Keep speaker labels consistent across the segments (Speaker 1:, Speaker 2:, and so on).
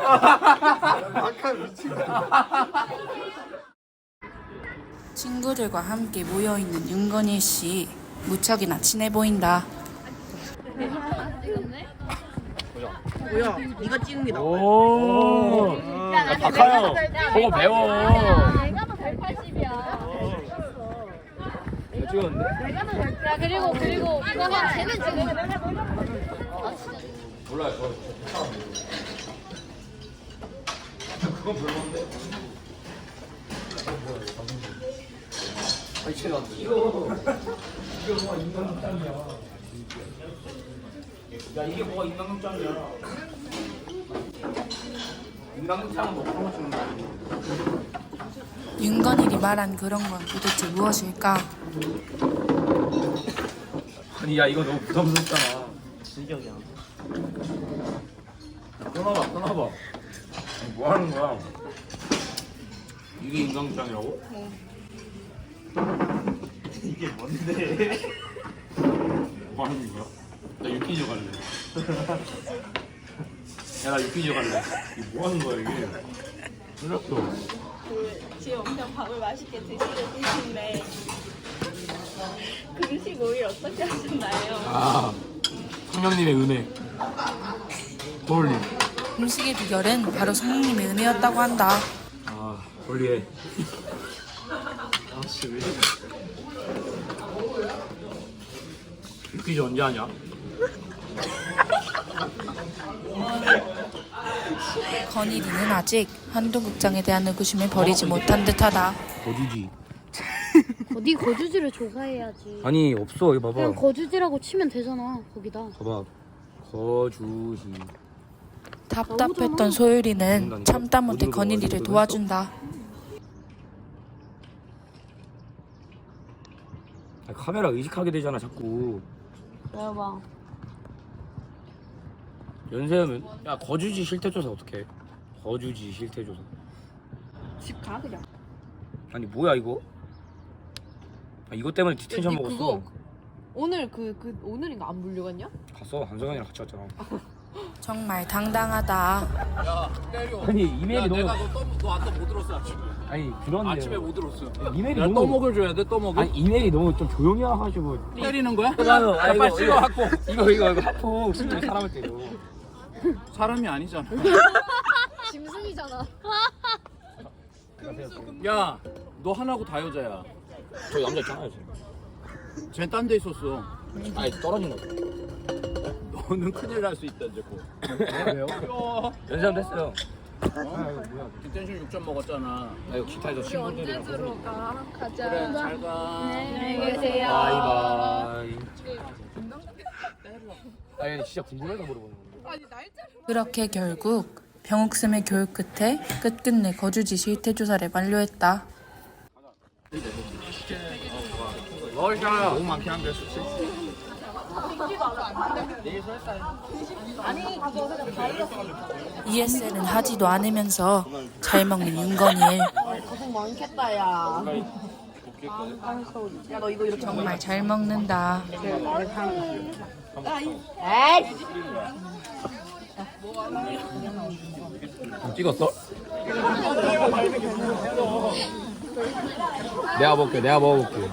Speaker 1: 아까 미친 거.
Speaker 2: 친구들과 함께 모여있는 윤건일 씨. 무척이나 친해 보인다.
Speaker 3: 뭐야? 네가 찍은 게 나와.
Speaker 4: 오. 야, 박하영. 보고 배워.
Speaker 5: 내가 더 180이야.
Speaker 4: 찍었는데?
Speaker 5: 야 그리고 이거는 쟤는 지금
Speaker 4: 몰라요. 그건 별건데. 야 이게 뭐가 인간극장이야? 인간극장은 뭐 그런 거 주는 거야?
Speaker 2: 윤건일이 말한 그런 건 도대체 무엇일까?
Speaker 4: 아니 야 이거 너무 부담스럽잖아.
Speaker 3: 진격이야.
Speaker 4: 끊어봐. 아니, 뭐 하는 거야? 이게 인간극장이라고?
Speaker 3: 이게 뭔데?
Speaker 4: 뭐 하는 거야? 나 유퀴즈 갈래. 야 나 유퀴즈 갈래. 이게 뭐 하는 거야 이게? 틀렸어.
Speaker 6: 지금 엄청 밥을 맛있게 드시는데 금식 오일 어떻게 하셨나요?
Speaker 4: 아 성령님의 은혜. 홀리.
Speaker 2: 음식의 비결은 바로 성령님의 은혜였다고 한다.
Speaker 4: 아 홀리해.
Speaker 3: 아씨 왜 이래?
Speaker 4: 유퀴즈 언제 하냐?
Speaker 2: 건일이는 아직 한두 극장에 대한 의구심을 버리지 못한 듯하다.
Speaker 4: 거주지.
Speaker 5: 네 거주지를 조사해야지.
Speaker 4: 아니 없어 이거
Speaker 5: 그냥
Speaker 4: 봐봐.
Speaker 5: 거주지라고 치면 되잖아 거기다.
Speaker 4: 봐봐. 거주지.
Speaker 2: 답답했던 소율이는 참다 못해 건일이를 도와준다.
Speaker 4: 아, 카메라 의식하게 되잖아 자꾸.
Speaker 5: 내봐.
Speaker 4: 연세하면 야 거주지 실태조사 어떻게 해? 거주지 실태조사.
Speaker 6: 집 가 그냥.
Speaker 4: 아니 뭐야 이거? 아, 이것 때문에 디텐션
Speaker 6: 야, 니
Speaker 4: 먹었어.
Speaker 6: 그거 오늘 오늘인가 안 불려갔냐?
Speaker 4: 갔어 한성현이랑 같이 왔잖아.
Speaker 2: 정말 당당하다.
Speaker 4: 아니 이메일이 너무.
Speaker 7: 너 아까 못 들었어 아침에.
Speaker 4: 아니 그런데.
Speaker 7: 아침에 못 들었어.
Speaker 4: 이메일이
Speaker 7: 야,
Speaker 4: 너무.
Speaker 7: 떠먹을 줘야 돼 떠먹을.
Speaker 4: 아니 이메일이 너무 좀 조용히 와가지고.
Speaker 7: 때리는 거야?
Speaker 4: 아,
Speaker 7: 빨리 찍어 갖고.
Speaker 4: 이거 하폭 실제로 사람을 때려.
Speaker 7: 사람이 아니잖아.
Speaker 5: 짐승이잖아.
Speaker 7: 야, 너 하나고 다 여자야.
Speaker 4: 저 남자 있잖아요 지금.
Speaker 7: 쟤 딴 데 있었어.
Speaker 4: 아니 떨어진 거.
Speaker 7: 너는 큰일 날 수 있다 이제 곧.
Speaker 4: 왜요? 연세함 됐어요.
Speaker 7: 디텐션 6점 먹었잖아.
Speaker 4: 나 이거 기타에서 친구들이랑.
Speaker 6: 들어가? 가자.
Speaker 7: 그래 잘 가.
Speaker 6: 안녕히 계세요.
Speaker 4: 바이바이. 아니 진짜 궁금해서 물어보는 건데.
Speaker 2: 그렇게 결국 병옥쌤의 교육 끝에 끝끝내 거주지 실태 조사를 완료했다.
Speaker 4: 너무 많긴 한데 수치.
Speaker 2: ESL은 하지도 않으면서 잘 먹는 윤건일.
Speaker 3: 고생 많겠다 야. 야 너 이거 이렇게
Speaker 2: 정말 잘 먹는다.
Speaker 4: 찍었어? 내가 먹어볼게.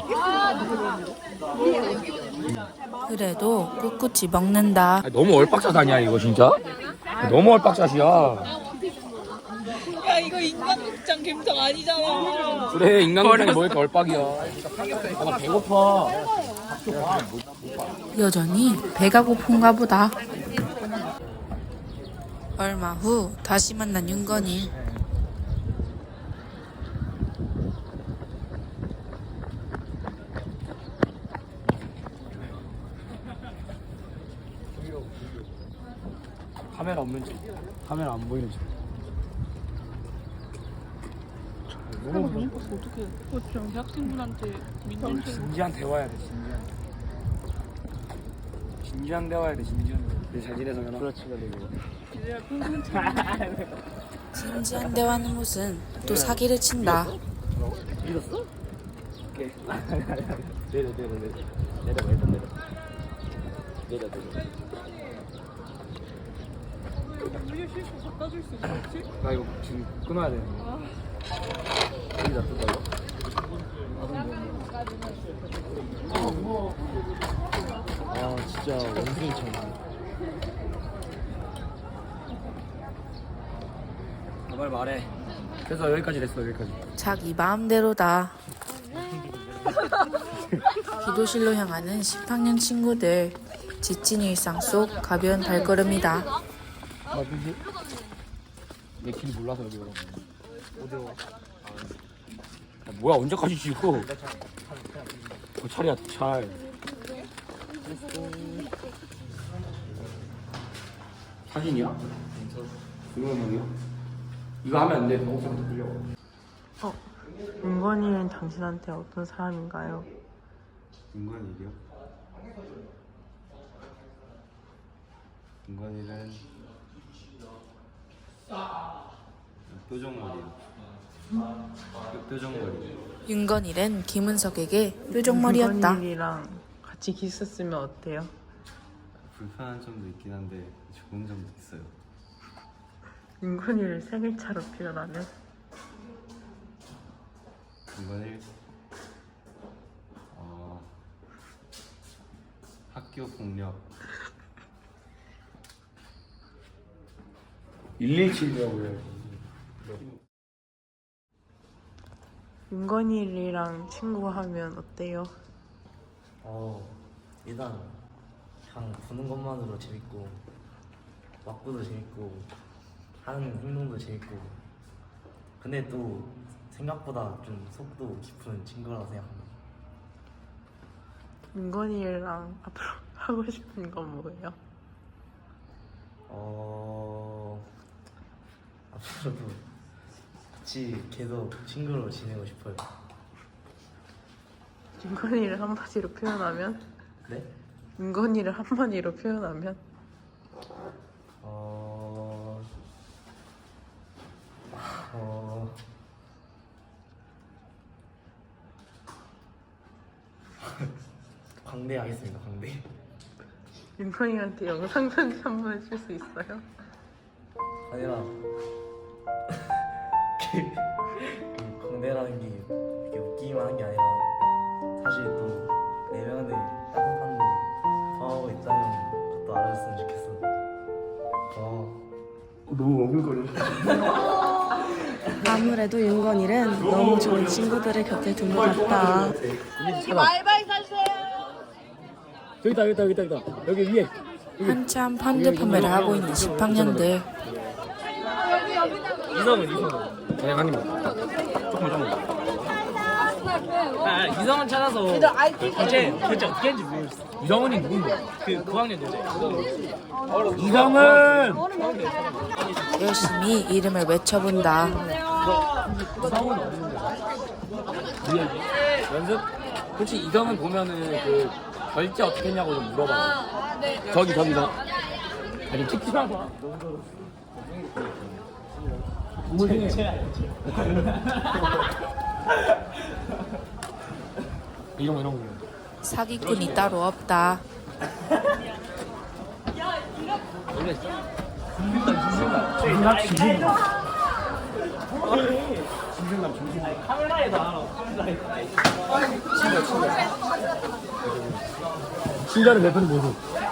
Speaker 2: 그래도 꿋꿋이 먹는다.
Speaker 4: 아니, 너무 얼빡샷 아니야 이거 진짜? 너무 얼빡샷이야.
Speaker 6: 야 이거 인간극장 감성 아니잖아.
Speaker 4: 그래 인간극장이 뭐 이렇게 얼빡이야. 아, 나 배고파.
Speaker 2: 여전히 배가 고픈가 보다. 얼마 후 다시 만난 윤건일.
Speaker 4: 카메라 없는지, 카메라 안 보이는지.
Speaker 6: 어떻게? 저 대학생분한테 민준
Speaker 4: 진지한 대화해야 돼. 진지한 대화해야 돼. 잘 지내서 연락. 그렇지
Speaker 2: 진지한 대화는 무슨 또 사기를 친다.
Speaker 4: 읽었어? 오케이. 내려. 내려. 나 이거 지금 끊어야 되는데. 여기 놔둘까 이거?
Speaker 3: 아 진짜 원숭이처럼.
Speaker 4: 빨리 말해. 그래서 여기까지 됐어 여기까지.
Speaker 2: 자기 마음대로다. 기도실로 향하는 10학년 친구들. 지친 일상 속 가벼운 발걸음이다.
Speaker 4: 맞지? 내 길 몰라서 여기 오라고. 어디로 와? 아, 뭐야 언제까지 지고? 차례야 잘. 사진이야? 동영상이야? 이거 하면 안 돼. 동영상도 끌려.
Speaker 1: 윤건이는 당신한테 어떤 사람인가요?
Speaker 8: 윤건이요? 윤건이는 뾰족머리요. 뾰족머리.
Speaker 2: 윤건일은 김은석에게 뾰족머리였다.
Speaker 1: 윤건이랑 같이 키스했으면 어때요?
Speaker 8: 불편한 점도 있긴 한데 좋은 점도 있어요.
Speaker 1: 윤건이를 생일차로 표현하면?
Speaker 8: 윤건이 학교 폭력.
Speaker 4: 117이라고 해요.
Speaker 1: 윤건이랑 친구하면 어때요?
Speaker 3: 일단 그냥 보는 것만으로 재밌고 맞고도 재밌고 하는 행동도 재밌고 근데 또 생각보다 좀 속도 깊은 친구라고 생각합니다.
Speaker 1: 윤건이랑 앞으로 하고 싶은 건 뭐예요?
Speaker 3: 앞으로도 같이 계속 친구로 지내고 싶어요.
Speaker 1: 윤건이를 한마디로 표현하면?
Speaker 3: 네?
Speaker 1: 윤건이를 한마디로 표현하면?
Speaker 3: 광대하겠습니다. 광대.
Speaker 1: 윤건이한테 영상 편지 한번 해줄 수 있어요?
Speaker 3: 아니라 그 광대라는 게 이렇게 웃기기만 한 게 아니라 사실 또 내면에 따뜻함도 포함하고 있다는 것도 알아줬으면 좋겠어.
Speaker 4: 너무 어글거려.
Speaker 9: 아무래도 윤건일은 너무 좋은 친구들을 곁에 둔 것 같다.
Speaker 4: 여기다 여기 위에.
Speaker 2: 한참 펀드 판매를 하고 있는 10학년들.
Speaker 4: 이성은 그냥 한 입만. 조금만. 이성은 찾아서 어제 어떻게 했는지 모르겠어. 이성은이 누군데? 그 9학년 여자. 이성은
Speaker 2: 열심히 이름을 외쳐본다.
Speaker 4: 이성은 어딘데? 연습? 그렇지. 이성은 보면은 그 결제 어떻게 했냐고 좀 물어봐. 저기 너. 아니 찍지 마봐. 이런 거.
Speaker 2: 사기꾼이 따로 없다.
Speaker 4: 친절을 베푸는 모습.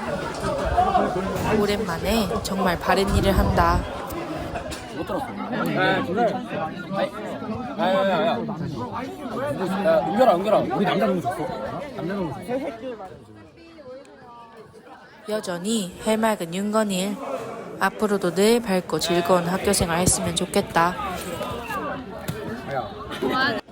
Speaker 2: 오랜만에 정말 바른 일을 한다.
Speaker 4: 못 들었어. 야야야야. 은결아. 우리 남자 농구 줬어. 남자 농구 줬어.
Speaker 2: 여전히 해맑은 윤건일. 앞으로도 늘 밝고 즐거운 학교생활 했으면 좋겠다.
Speaker 4: 야.